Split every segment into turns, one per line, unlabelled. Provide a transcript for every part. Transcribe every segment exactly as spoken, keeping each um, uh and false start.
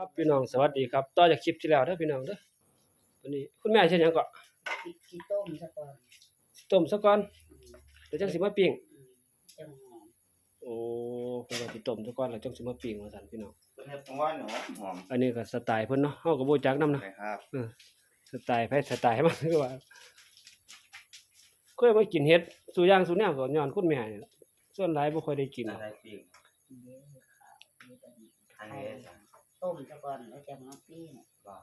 ครับพี่น้องสวัสดีครับต่อจากคลิปที่แล้วเด้อพี่น้องเด้อวันนี้คุณแม่เฮ็ดหยังก็
สิสิต้มซะก่อน
สิต้มซะก่อน
อืม
เดี๋ยวจังสิมาปิ้ง
อืมจังหอม
โอ้เพิ่นว่าสิต้มซะก่อนแล้วจังสิมาปิ้งว่าซั่นพี่น้อง
เพิ่นเฮ็ดจังหวะหนูหอม
อันนี้ก็สไตล์เพิ่นเนาะเฮาก็บ่รู้จักนำเนาะ
เลยครับ
เออสไตล์ไผสไตล์มันคือว่าเคยมากินเฮ็ดซุอย่างซุแนวก็ย้อนคุณแม่นี่ล่ะส่วนหลายบ่ค่อยได้กินหรอก
ได้ปิ้ง
เด้อค่ะมีแต่นี่
ทาง
ไข่
นี้สั่ง
ต้มซะก่อนแล้วจังมาปิ้ง
บ่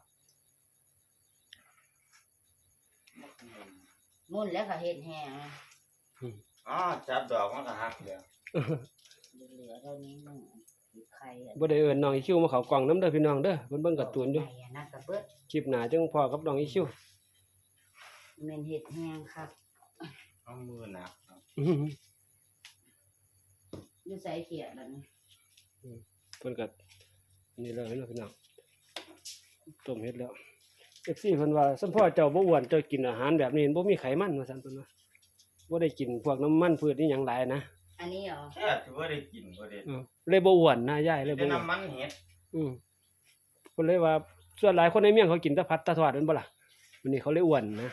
มุ่นแล้วก็เฮ็ดแห้ง
อืม
อ๋อจับดอกมันก็หักแล้ว
เหลือๆเท่านี้นึงสิไข่อัน
บ่ได้เอิ้นน้องอีคิวมาเข้ากล้องนำเด้อพี่น้องเด้อเพิ่นเบิ่งการ์ตูนอยู่
ไข่อันนั้นก็เบิด
คลิปหน้าจังพ้อกับน้องอีคิว
แม่นเฮ็ดแห้งครับ
เอามือหนักครับ
อื้อหือ
อยู่ไสเขียดบัดนี้
เพิ่นก็นี่เลยเนาะพี่น้องต้มเฮ็ดแล้ว เอฟ ซี เพิ่นว่าสัมพ่อเจ้าบ่อ้วนเจ้ากินอาหารแบบนี้บ่มีไขมันว่าซั่นเพิ่นว่าบ่ได้กินพวกน้ำมันพืชอีหยังหลายนะ
อันนี้เหรอ
แค่ถือว่าได้กินบ่ได้
เออเลยบ่อ้วนนะยายเลยบ่
ได้
อ้วน
น้ำมันเห็ด
อือเพิ่นเลยว่าส่วนหลายคนในเมียงเขากินแต่ผัดแต่ทอดแม่นบ่ล่ะวันนี้เขาเลยอ้วนนะ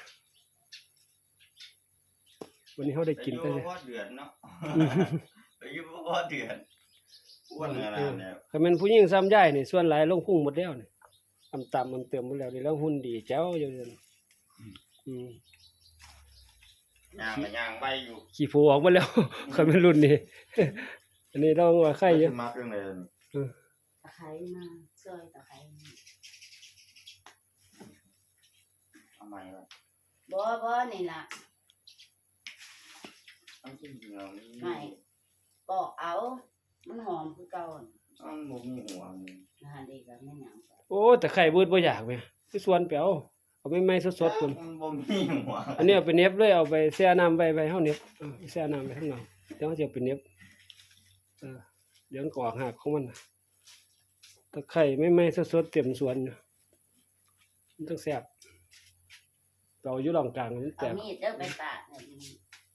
วันนี้เฮาได้กินแต่
อายุบ่พอเดือนเนาะอายุบ่พอเดือนอ้วนขนาดนี้
คันแม่นผู้หญิงซ้ำยายนี่ส่วนหลายลงพุงหมดแล้วนี่อำตำอำเติมหมดแล้วนี่แล้วหุ่นดีแจ๋วอยู่นั่นอืม
ย่างก็ย่างใบอยู่
ขี้โผออกหมดแล้ว คันแม่นรุ่นนี้ อันนี้เราว่าไข่อยู่
มักเรื่องใดนี่
เออ
ตะไคร้มาซอยตะไคร้มา
เอาใหม่ว่า
บ่บ่นี่ล่ะ
อันจริงๆแล้วนี่
ไม่ปอกเอา มันหอมคือเก่าน่ะ
อันบ่มีหัวนี่
นะฮะดีกับแม่หยัง
โอ้แต่ไข่เบิดบ่อยากแม่คือสวนไปเอาเอาไปใหม่สดๆพุ่น
มันบ่มีหัว
อันนี้เอาไปเน็บเลยเอาไปแช่น้ำไว้ไว้เฮาเน็บเออแช่น้ำไว้ข้างนอกเดี๋ยวเฮาจะเอาไปเน็บเออเดี๋ยวมันก็ออกหากของมันน่ะตะไคร้ใหม่ๆสดๆเต็มสวนอยู่มันต้องแซ่บเราอยู่ร่องกลางมัน
เอา
แซ่บ
มีดเด้อไปปาดให้มัน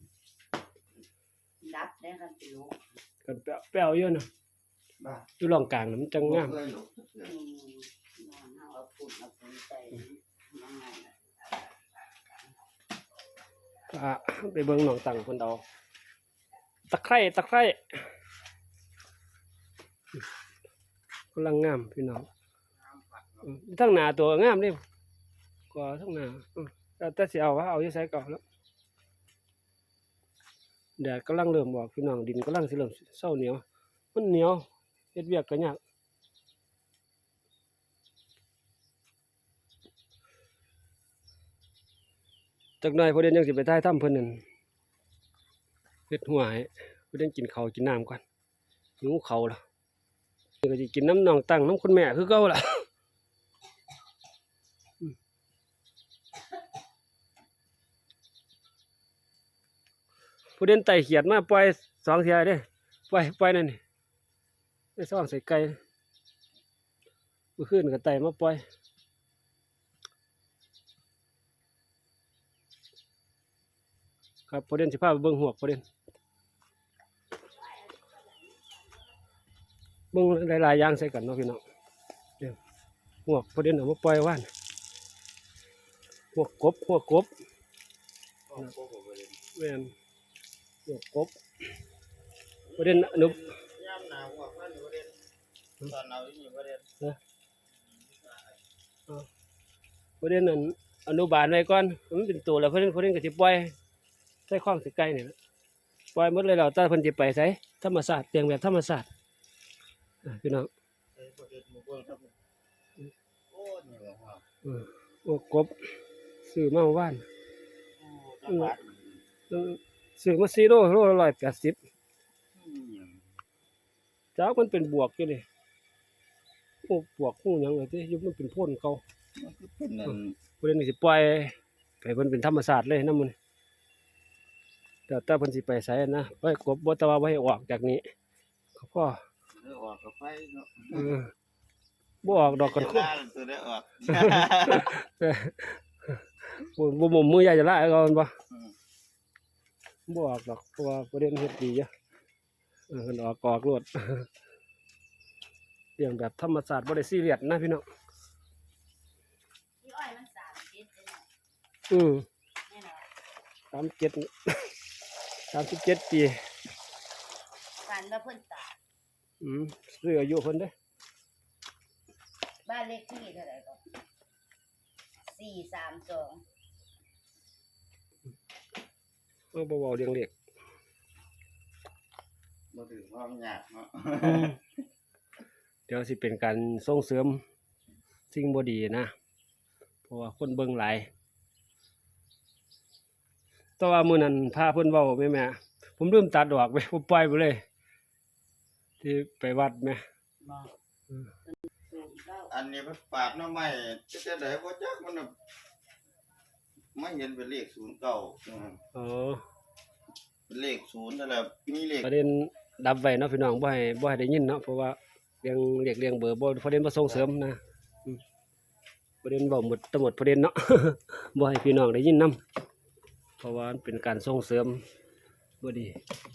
ดับได้กันสิลูก
กันแป้วๆอยู่น่ะ
บ้า
อยู่ร่องกลางน่ะมันจังงาม
บ่เคยหลบ
อืมนอนเอาเอาฝุ่นเอาฝุ่นใส่ยังไงล่ะ
อ่ะไปเบิ่งหนองตังเพิ่นเอาตะไคร้ตะไคร้กำลังงามพี่น้องอืมทั้งหน้าตัวงามเด้ก็ทั้งหน้าอืมแต่แต่สิเอาว่าเอาอยู่ไสก่อนแล้วแดดกำลังเริ่มออกพี่น้องดินกำลังสิเริ่มเซาเหนียวมันเหนียวเฮ็ดเวียกก็ยากจักหน่อยพอเด่นยังสิไปถ่ายทำเพิ่นนั่นเฮ็ดหัวให้พอเด่นกินข้าวกินน้ำก่อนหิวข้าวแล้วนี่ก็สิกินน้ำน้องตั้งน้ำคุณแม่คือเก่าล่ะ อืมพอเด่นไต่เขียดมาปล่อยสองเที่ยเด้ปล่อยปล่อยนั่นนี่ไปซ่องใส่ไก่เมื่อคืนก็ไต่มาปล่อยครับพอเด่นสิพาไปเบิ่งหวกพอเด่นเบิ่งหลายๆอย่างใส่กันเนาะพี่น้องเดี๋ยวหวกพอเด่นเอามาปล่อยว่านหวกกบหวกกบ
โอ้โหบ่ได้
แม่นหวกกบพอเด่นอนุ
ยามหนาวกว่ามันบ่ได้ตอนหนาวนี่บ่ได้
พอเด่นนั่นอนุบาลไว้ก่อนมันเป็นตัวแล้วพอเด่นพอเด่นก็สิปล่อยใส่ข้องใส่ไก่นี่ล่ะปล่อยหมดเลยแล้วแต่เพิ่นสิไปไสธรรมชาติเลี้ยงแบบธรรมชาติอ่ะพี่น้อง
เอ้ยบ่ได้หมู่เบิ่งครับโอ้นี่ว่า
เออหวกกบซื้อมาเมื่อวาน
โอ้จังหวัด
เออซื้อมาสี่โลโลละร้อยแปดสิบ
อืม
จ้ามันเป็นบวกอยู่นี่โอ้บวกฮู้หยังเลยติอยู่มันเป็นพ่นเก่า
มันคือเป็นนั่น
เพิ่นนี่สิปล่อยให้เพิ่นเป็นธรรมชาติเลยนำมันแต่แต่เพิ่นสิไปไสนะไปกบบ่แต่ว่าบ่ให้ออกจากนี้ก็พอ
เออออกกับไฟเนาะ
เออบ่ออกดอกกัน
เว
คุ
ลาตัวได้ออก
บ่บ่หมุมมือใหญ่จะละเอามันบ่
อืม
บ่ออกดอกเพราะว่าประเด็นเฮ็ดดีอยู่เออเพิ่นออกกอกโลด ยลี้ยงแบบธรรมชาติบ่ได้ซีเรียสนะพี่น้อง
พี่อ้อยมันสามเจ็ดเลยเนาะ
อืม
แน่นอน
สามสิบเจ็ด สามสิบเจ็ดปี
ฝันว่าเพิ่นตาย
อืมซื้ออายุเพิ่นเด้อ
บ้านเลขที่เท่าไหร่ก็สี่สามสอง
เอาบ่เว้าเรื่องเลข
บ่ถือความยากเนาะ
เดี๋ยวสิเป็นการส่งเสริมสิ่งบ่ดีนะ เพราะว่าคนเบิ่งหลายแต่ว่ามื้อนั้นพาเพิ่นเว้าแม่แม่ผมลืมตัดออกไปผมปล่อยไปเลย ที่ไปวัดแม่
มา
อืม
ศูนย์เก้า
อันนี้มันปาดหน้ำไม้จะจะได้บ่จักมันน่ะไม่เห็นเป็นเลขศูนย์เก้าอืม
อ๋อ
เป็นเลขศูนย์นั่นแหละมีเลข
ประเด็นดับไว้เนาะพี่น้องบ่ให้บ่ให้ได้ยินเนาะเพราะว่าเรียงเรียกเรียงเบอร์บ่ประเด็นบ่ส่งเสริมนะอืมประเด็นเว้าหมดทั้งหมดประเด็นเนาะ บ่ให้พี่น้องได้ยินนํเพราะว่ามันเป็นการส่งเสริมบ่ดี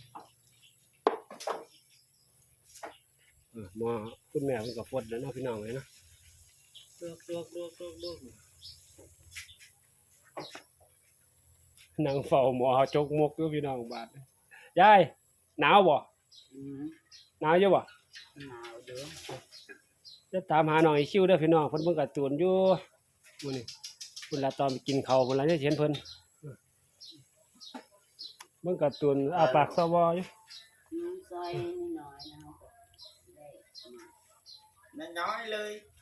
เออหมอคุณแม่เพิ่นก็ฟดแล้วเนาะพี่น้องเอ้ยเนาะลวกลวกลวกลวกลวกนั่งเฝ้าหมอจกมกอยู่พี่น้องบาดยายหนาวบ่
อืม
หนาวอยู่บ่
หนาวเด้อ
จะตามหาน้องอีคิวเด้อพี่น้องเพิ่นเบิ่งการ์ตูนอยู่มื้อนี้เพิ่นละตอนไปกินข้าวเพิ่นละได้เห็นเพิ่นเบิ่งการ์ตูนอ้าปากซอบออยู่
น้ำซอยน้อยๆนะครับได้มา
น้อยๆเลย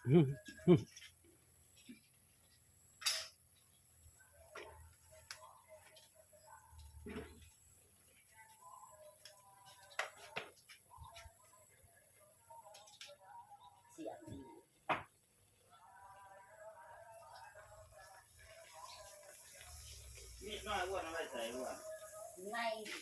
เสียงดี
มีดน้อยอ้วนเอาไว้ใส่อ้วน
ใน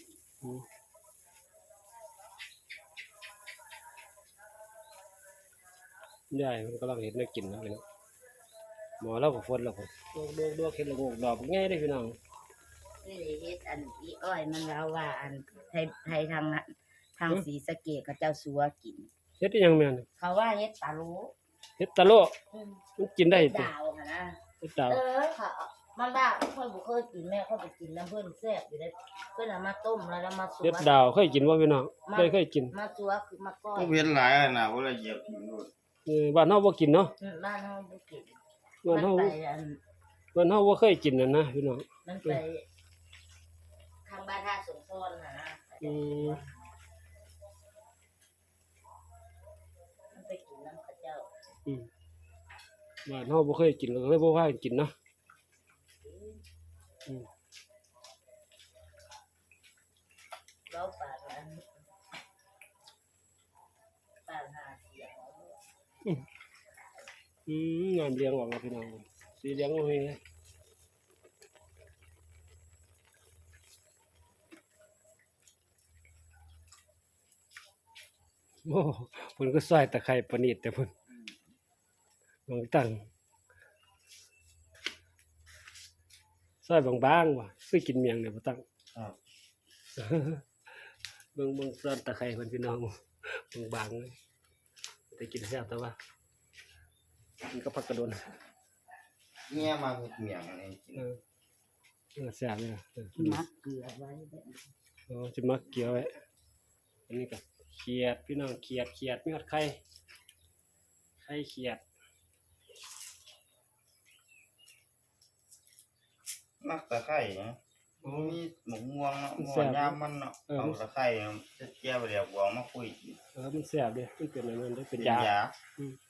ยายเพิ่นกำลังเฮ็ดแนวกินนะพี่น้องหมอเราก็ฟดแล้วพุ่นโดกๆๆเฮ็ดละโงกดอกง่ายเด้อพี่น้อง
นี่ได้เฮ็ดอันอีอ้อยมันเล่าว่าอันไทยไทยทางนั้นทางศรีสะเกษกับเจ้าสัวกิน
เฮ็ดอีหยังแม่น
เขาว่าเฮ็ดปลาโล
เฮ็ดตะโล
อืม
มันกินได้ติ
ดาวค่ะนะ
เฮ็ดดาว
เออค่ะมันได้ค่อยบ่เคยกินแม่ค่อยไปกินน้ำเพิ่นแซ่บอยู่ได้เพิ่นเอามาต้มแล้วแล้วมาสัว
เฮ็ดดาวเคยกินบ่พี่น้องเคยเคยกิน
มาสัวคือมาก้อย
ก็เว้นหลายอันน่ะบ่ละเหยียบทิ้งโลด
เออบ้านเฮาบ่กินเนาะ
อืมบ้านเฮาบ่กิน
บ้านเฮา
มันไปอัน
บ้านเฮาบ่เคยกินนั่นนะพี่น้อง
มันไปทางบ้านท่าสมพรน่ะนะ
อืม
มันไปกินน้ำข้าวเจ้า
อืมบ้านเฮาบ่เคยกินก็เลยบ่พากันกินเนาะอืม
เราปากอันปากหาเสียง
อืมงามเลี้ยงออกแล้วพี่น้องสีเลี้ยงโอ้ยโอ้เพิ่นก็ซอยตะไคร้ประณีตแต่เพิ่นบางตั้งซอยบางๆว่ะคือกินเมียงเนี่ยบ่ตั้ง
ครับ
เบิ่งเบิ่งซอนตะไคร้เพิ่นพี่น้องบางๆเลยแต่กินแซ่บแต่ว่ามันก็ผักกระโดน
เมียมาเฮ็ดเมียงอันนี้กิน
เออเออแซ่บเนี่ยเออ
มักเกลือไว้แบบ
อ๋อจะมักเกี่ยวไว้อันนี้ก็เขียดพี่น้องเขียดเขียดมีฮอดไข่ไข่เขียด
มักตะไคร้นะมันมีหมกม่วงเนาะม่วงยามมันเนาะเอาตะไคร้จะแก้วเดียวบวงมาคุยกิน
เออมันแซ่บเด้มันเป็นอันนั้นเด้เป็น
เป็น
ยาย
า
อืม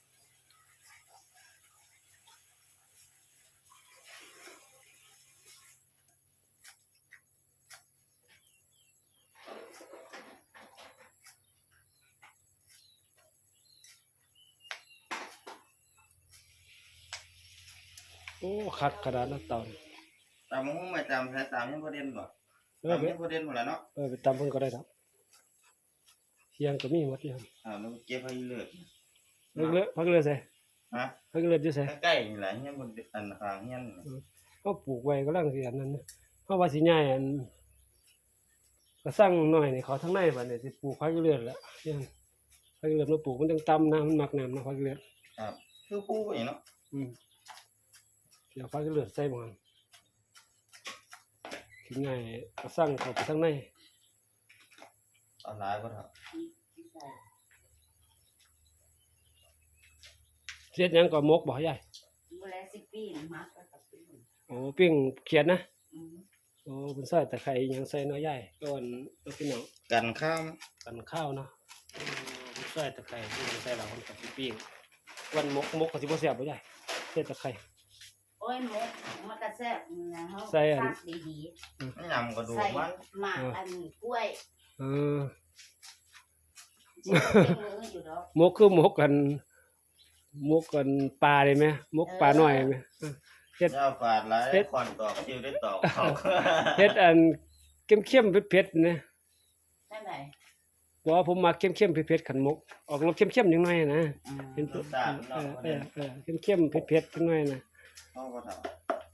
โอ้คักขนาดนั้นเตานี่
ตามมึงไม่จำใช้ตามยังบ่เด่นบ่
เออ
ตาม
ไป
ยังบ่เด่นหมดแล้วเนาะ
เออไปตำเพิ่นก็ได้ครับเที่ยงก็มีหมดอยู่ครับ
อ่าแล้วเก็บให้เลิศ
เลิกเลยพักเลยใส่
ฮะ
พักเลยอยู่ใส่
ใกล้ๆนี่แหละเฮียบ่อันข้างเฮียน
เฮาปลูกไว้กำลังสิอันนั้นนะเฮาว่าสิย้ายอันก็สั่งหน่อยนี่เขาทางในบัดนี้สิปลูกพักเรื่อยๆแล้วเนี่ยผักอีเลือดมาปลูกมันจังต่ำนะมันมักน้ำนะผักอีเลือด
ครับคือผู้ไปเนาะ
อืมเดี๋ยวผักอีเลือดใส่บ่หั่นกินง่ายก็สั่งเข้าไปข้างใน
ออนไลน์บ่ครับ
เฮ็ดหยังก็หมกบ่ยาย
เวลาสิปีนมักแล้วก็ปิ้ง
โอ้ปิ้งเขียดนะ
อืม
โอ้เพิ่นใส่ตะไคร้อิหยังใส่เนาะยายก่อนเอาพี่น้อง
กันข้าม
กันข้าวเนาะเออเพิ่นใส่ตะไคร้เพิ่นใส่แล้วเพิ่นก็สิปิ้งวันหมกหมกก็สิบ่แซ่บบ่ยายใส่ตะไคร้
โอ้ยหมกมันก็แซ่บนะเฮา
ใส่อัน
ซักดี
ไม่ยำกระ
ๆ
ดูก
ใส่
มัน
หมากอันกล้วย
เออ
สิเป็นมืออยู่ดอก
หมกคือหมกกันหมกกันปลาได้ไหมหมกปลาน้อยไหมเออ เฮ็ด
เจ้าฝาดหลาย
เฮ็ด
คอนตอกคิวได้ตอกเขา
เฮ็ดอันเข้มๆเผ็ดๆนะ
ได้ไหม
บ่ว่าผมมักเข้มๆเผ็ดๆขันหมกออกรสเข้มๆจังหน่อยนะ
อืม
เป็น
รสชาติมัน
เอ
เนาะ
อเออเออเข้มๆเผ็ดๆจังหน่อยนะ
เขาก็ทำ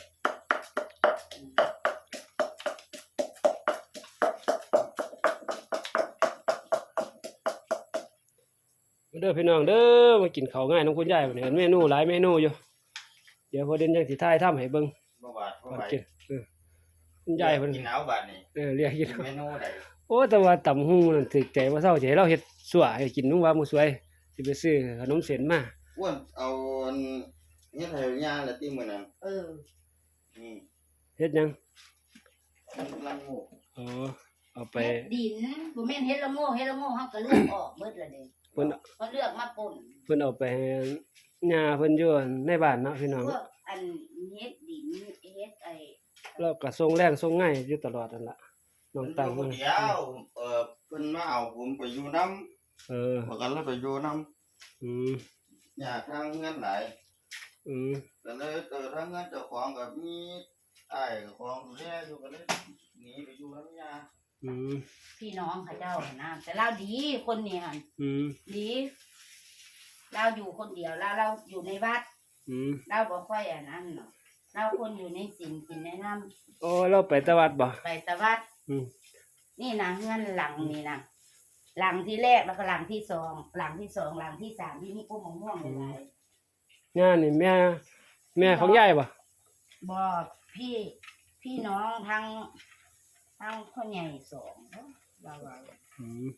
เด้อพี่น้องเด้อมากินข้าวง่ายน้องคุณยายบัดนี้เมนูหลายเมนูอยู่เดี๋ยวพอเด่นจังสิถ่ายทำให้เบิ่ง
บ่บาดบ่
ก่อน
ไหว
กินเออคุณยายเพิ่น
กินเอาบาดนี่
เออเรียกกิน
เมนูใด
โอ้แต่ว่าตำหูนั่นถึกใจว่าเซาสิให้เราเฮ็ดสั่วให้กินนุ่งว่ามื้อสวยสิไปซื้อขนมเส้นมา
อ้วนเอาอันเฮ็ดให้ย่าละติมื้อนั้น
เออ
นี่
เฮ็ดหยัง
มันลังงู
อ๋อเอาไป
เฮ็ดดินบ่แม่นเฮ็ดละโง่เฮ็ดละโง่เฮาก็เลือกออกเบิดละเด้
เพิ่น
เฮาเลือกมาป่น
เพิ่นเอาไปให้ย่าเพิ่นอยู่ในบ้านเนาะพี่น้อง
พวกอันเฮ็ดดินเฮ็ดไอ้
แล้วก็ส่งแรงส่งง่ายอยู่ตลอดนั่นล่ะน้อง
มัน
ตัง
อยู่คนเดียวเอ่อเพิ่นมาเอาผมไปอยู่นำ
เออ
บ่กันเลยไปอยู่นำ
อืม
อยากทางเงินหลาย
อืม
ก็เลยเออทางเงินเจ้าของก็มีอ้ายกับของดูแลอยู่ก็เลยหนีไปอยู่นำย่า
อืม
พี่น้องเขาเจ้าน่ะนะแต่เราดีคนนี้หั่น
อืม
ดีเราอยู่คนเดียวเราเราอยู่ในวัด
อืม
เราบ่ค่อยอันนั้นเนาะเราคนอยู่ในศีลกินในน้ำ
โอ้เราไปตะวัดบ่
ไปตะวัด
อืม
นี่นะเงื่อนหลังนี่นะหลังที่แรกแล้วก็หลังที่สองหลังที่สองหลังที่สามที่นี่กุ้งมะม่วงหลาย
งานนี่แม่แม่ของยายบ่
ๆบอกพี่พี่น้องทั้งทั้งพ่อใหญ่สองเราว่า
อืม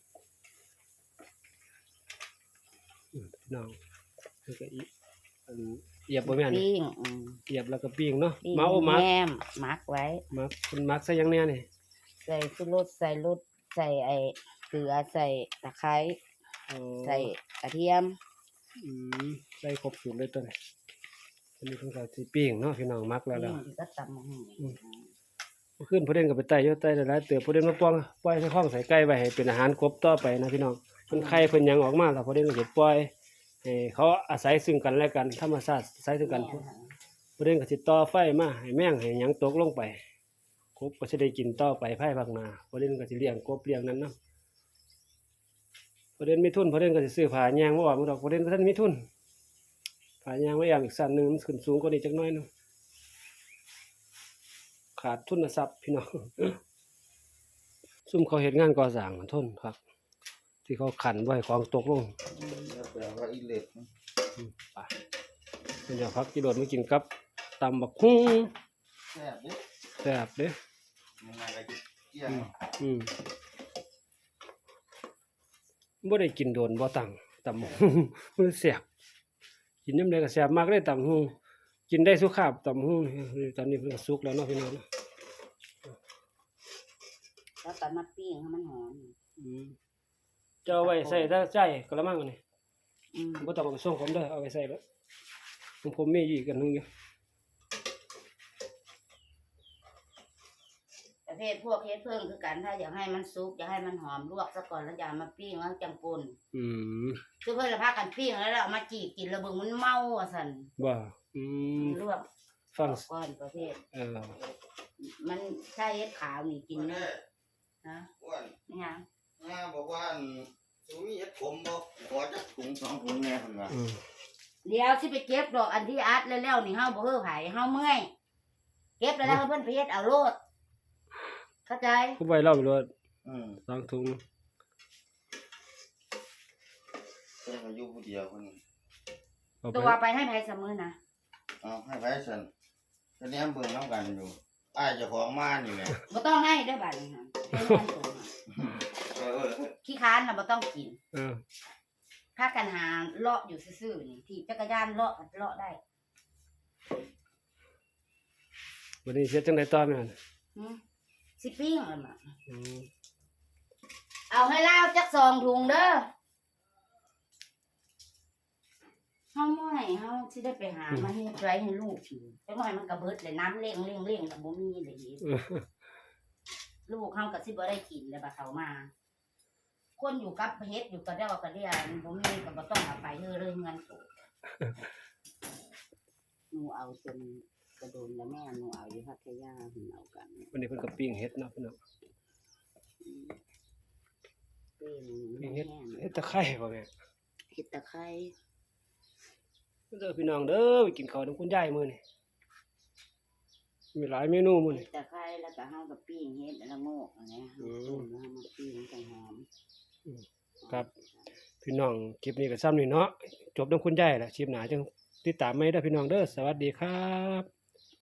อืมพี่น้องแล้วก็อีอันเหยียบบ่แม่น
ปิ้งอืม
เหยียบแล้วก็ปิ้งเนาะ
ปิ้ง
เมาโอ้มัก
แหนมมักไว้
มักคุณมักใส่หยังแน่นี่
ใส่สุรสใส่รสใส่ไอ้เกลือใส่ตะไคร้
อ๋อ
ใส่กระเทียม
อืมใส่ครบสูตรเลยตัวนี้อันนี้เพิ่นก็สิปิ้งเนาะพี่น้องมักแล้วแล้ว
ปิ้งก็ตำมะฮุ่ง
เมื่อคืนผู้เด่นก็ไปไต่อยู่ไต่หลายๆเตือผู้เด่นมาป้องปล่อยใส่ข้องใส่ไก่ไว้ให้เป็นอาหารครบต่อไปนะพี่น้องเพิ่นไข่เพิ่นหยังออกมาแล้วผู้เด่นก็สิปล่อยให้เขาอาศัยซึ่งกันและกันธรรมชาติอาศัยซึ่งกัน ผู้เด่นก็สิต่อไฟมาให้แมงให้หยังตกลงไปกบก็สิได้กินต่อไปภายภาคหน้าผู้เด่นก็สิเลี้ยงกบเลี้ยงนั้นนำผู้เด่นมีทุนผู้เด่นก็สิซื้อผ้าแยงมาออกมาดอกผู้เด่นก็ท่านมีทุนผ้าแยงไว้อย่างอีกสั้นหนึงมันขึ้นสูงกว่านี้จักหน่อยหนึงขาดทุนทรัพย์พี่น้อง ซุ่มเขาเฮ็ดงานก่อสร้างมันทนครับ ที่เขาขันไว้ของตกลง
แล้วแปลว่าอีเล็ด
อืมไปเพิ่นจะพักกิโลดมากินกับตำบักหุ่ง
แซ่บเด้
แซ่บเด้
ยังไงก็เกี่ย
อื
ง
มอืมบ่ได้กินโดนบ่ตังตำบักหุ่ง มันแซ่บกินยามใดก็แซ่บมากเลยตำบักหุ่งกินได้สุขภาพตำบักหุ่งนี่ตอนนี้เพิ่นก็สุกแล้วเนาะพี่น้องเนาะ
แล้วก็มาปิ้งให้มันหอม
อืมจะเอาไว้ใส่ถ้าใจกระมังอันนี้
อืม
บ่ต้องเอาไปส่งผมเด้อเอาไว้ใส่แล้วของผมมีอยู่อีกอันหนึงอยู่
ประเภทพวกเฮ็ดเพิ่งคือกันถ้าอยากให้มันสุกอยากให้มันหอมลวกซะก่อนแล้วอย่ามาปิ้งแล้วจังปน
อืม
คือเพิ่นละพากันปิ้งแล้วเราเอามาจีกินแล้วเบิ่งมันเมาว่าซั่น
บ่อืม
ลวก
ฟัง
ก่อนประเภท
เออ
มันใช่เฮ็ดขาวนี่กิน
แม่
นะ
อ้วน
นี่หยัง
ย่าบอกว่าอันสูมีเฮ็ดผมบ่ขอจักถุงสองถุงแน่เพิ่นว่า
อืม
เดี๋ยวสิไปเก็บดอกอันที่อัดแล้วๆนี่เฮาบ่เฮ้อไผเฮาเมื่อยเก็บแล้วแล้วเพิ่นไปเฮ็ดเอาโลดเข้าใจ
ผู้ใบเล่าไปเลย
อืม
สองถุง
พิ่นก็อยู่ผู้เดียวเพิ่น
เอาไป
ตัวไปให้ไผเสมอนะ
เอาให้ไผซั่นก็แนมเบิ่งนำกันอยู่อ้ายเจ้าของมานี่แหละ
บ่ต้องให้เด้อบัดนี้ค่ะให้มันตัวค่ะ
เออเออ
ขี้ค้านน่ะบ่ต้องกิน
เออ
พากันหาเลาะอยู่ซื่อๆนี่ที่จักรยานเลาะก็เลาะได้
วันนี้เสียจังได๋ต่อแม่น
หึสิปิ้งเอามา
อืม
เอาให้ลาวจักสองถุงเด้อเฮาเมื่อยเฮาสิได้ไปหามาเฮ็ดไว้ให้ลูกกินจักหน่อยมันก็เบิดเลยน้ำเร่งเร่งเร่งก็บ่มีเลยอีก
เออ
ลูกเฮาก็สิบ่ได้กินแล้วบัดเขามา คนอยู่กับเฮ็ดอยู่กับเดากับเดียบ่มีก็บ่ต้องเอาไปเด้อเลยเงินโตหนูเอาจนกระโดนแล้วแม่หนูเอาอยู่พัทยาหนูเอากัน
วันนี้เพิ่นก็ปิ้งเฮ็ดเนาะพี่น้อง
เป็น
ปิ้ง
แห้
เฮ็ด
ง
เฮ็ดตะไคร้บ่แม่
เฮ็ดตะไคร้
เด้อพี่น้องเด้อไปกินข้าวนํคุณยายมื้อนี้มีหลายเมนูมื้อ
เฮ็
นี้
ดตะไคร้แล้วก็เฮาก็ปิ้งเฮ็ดละโงกอันนี้
อืม
ต้มแล้วเฮามาปิ้งจังหอม
ครับ พี่น้องคลิปนี้ก็ซ้ำนี่เนาะจบนํคุณยายแหละคลิปหน้าจังติดตามใหม่เด้อพี่น้องเด้อสวัสดีครับ